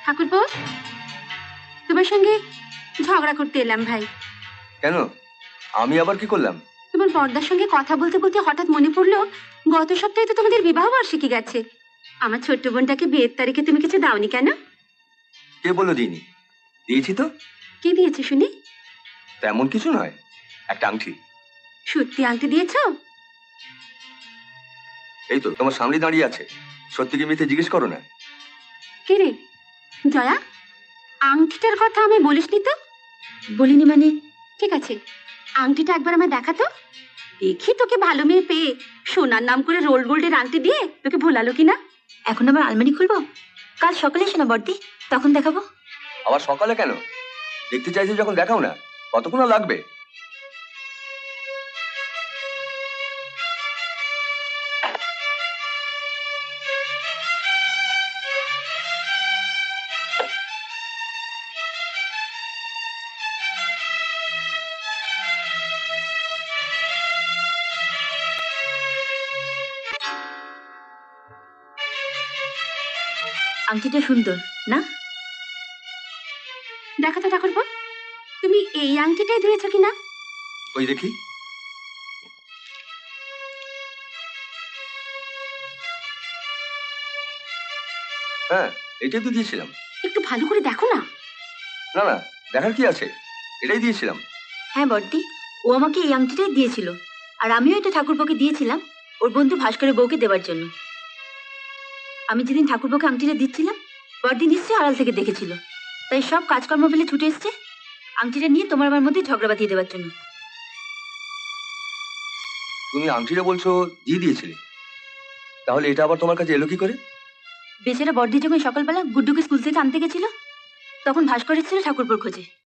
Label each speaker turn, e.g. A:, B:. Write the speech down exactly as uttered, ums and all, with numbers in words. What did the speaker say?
A: ঠাকুরপো, তোমার সঙ্গে ঝগড়া করতে এলাম ভাই।
B: কেন? আমি আবার কি করলাম?
A: তোমার বড়দার সঙ্গে কথা বলতে বলতে হঠাৎ মনে পড়লো গত সপ্তাহে তো তোমাদের বিবাহ বার্ষিকী গেছে। আমার ছোট্ট বোনটাকে বিয়ের তারিখে তুমি কিছু দাওনি কেন?
B: কে বললো দিইনি? দিয়েছি তো।
A: কি দিয়েছো শুনি?
B: তেমন কিছু নয়, একটা আংটি।
A: সত্যি আংটি দিয়েছো?
B: এই তো তোমার সামনে দাঁড়িয়ে আছে, সত্যি কি মিথ্যে জিজ্ঞেস করো না।
A: কে রে জয়া, আংটিটার কথা আমি বলিসনি তো? বলিনি মানে? ঠিক আছে, আংটিটা একবার আমায় দেখাতো। দেখি তোকে ভালো মেয়ে পেয়ে সোনার নাম করে রোল গোল্ডের আংটি দিয়ে তোকে ভোলালো কিনা।
C: এখন আবার আলমারি খুলবো? কাল সকালে এসো না বর্দি, তখন দেখাবো।
B: আবার সকালে কেন? দেখতে চাইছো যখন দেখাও না। কতক্ষণ আর লাগবে?
C: আংটিটা সুন্দর না?
A: দেখাতো ঠাকুরপো, তুমি এই আংটিটাই দিয়েছো কিনা?
B: ওই দেখি। হ্যাঁ, এটাই তো দিয়েছিলাম।
A: একটু ভালো করে দেখো না।
B: না না, দেখার কি আছে, এটাই দিয়েছিলাম।
C: হ্যাঁ বর্দি, ও আমাকে এই আংটিটাই দিয়েছিল, আর আমিও এটা ঠাকুরপোকে দিয়েছিলাম ওর বন্ধু ভাস্করের বউকে দেওয়ার জন্য। আমি যেদিন ঠাকুরপোকে আংটিটা দিচ্ছিলাম, বর্দি নিশ্চয়ই আড়াল থেকে দেখেছিল, তাই সব কাজকর্ম ফেলে ছুটে এসছে আংটিটা নিয়ে তোমার আমার মধ্যে ঝগড়া বাঁধিয়ে দেওয়ার জন্য।
B: তুমি আংটিটা বলছো দিয়ে দিয়েছিলে, তাহলে এটা আবার তোমার কাছে এলো কি করে?
C: বেচারা বর্দি যখন সকালবেলা গুড্ডুকে স্কুল থেকে আনতে গেছিল, তখন ভাস্কর এসেছিল ঠাকুরপোর খোঁজে।